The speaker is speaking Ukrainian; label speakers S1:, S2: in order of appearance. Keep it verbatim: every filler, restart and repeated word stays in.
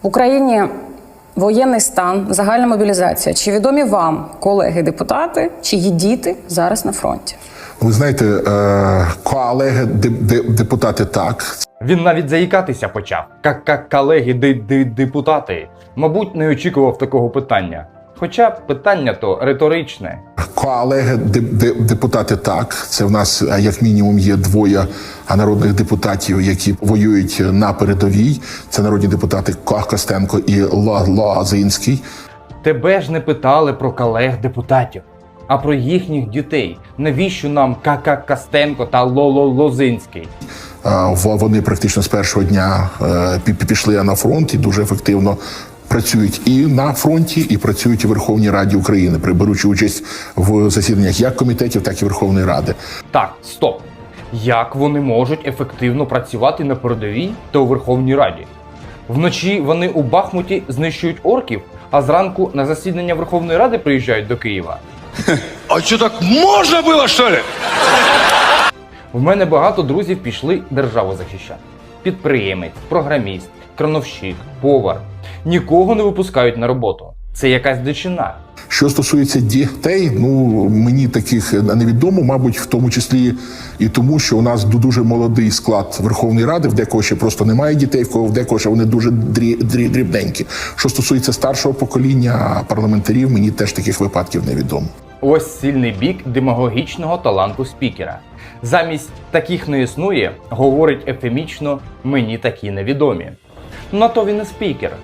S1: В Україні воєнний стан, загальна мобілізація. Чи відомі вам колеги-депутати, чиї діти зараз на фронті?
S2: Ви знаєте, колеги-депутати так.
S3: Він навіть заїкатися почав. Як колеги-депутати. Мабуть, не очікував такого питання. Хоча питання то риторичне.
S2: Колеги-депутати так. Це в нас як мінімум є двоє народних депутатів, які воюють на передовій. Це народні депутати Костенко і Лозинський.
S3: Тебе ж не питали про колег-депутатів, а про їхніх дітей. Навіщо нам Костенко та Лозинський?
S2: Вони практично з першого дня пішли на фронт і дуже ефективно працюють і на фронті, і працюють у Верховній Раді України, беручи участь в засіданнях як комітетів, так і Верховної Ради.
S3: Так, стоп. Як вони можуть ефективно працювати на передовій та у Верховній Раді? Вночі вони у Бахмуті знищують орків, а зранку на засідання Верховної Ради приїжджають до Києва.
S4: А що, так можна було, що ли?
S3: В мене багато друзів пішли державу захищати. Підприємець, програміст, крановщик, повар. Нікого не випускають на роботу. Це якась дичина.
S2: Що стосується дітей, ну мені таких невідомо, мабуть, в тому числі і тому, що у нас дуже молодий склад Верховної Ради, в декого ще просто немає дітей, в кого в декого ще вони дуже дрі, дрі, дрібненькі. Що стосується старшого покоління парламентарів, мені теж таких випадків невідомо.
S3: Ось сильний бік демагогічного таланту спікера. Замість «таких не існує» говорить ефемічно «мені такі невідомі». На то він і спікер,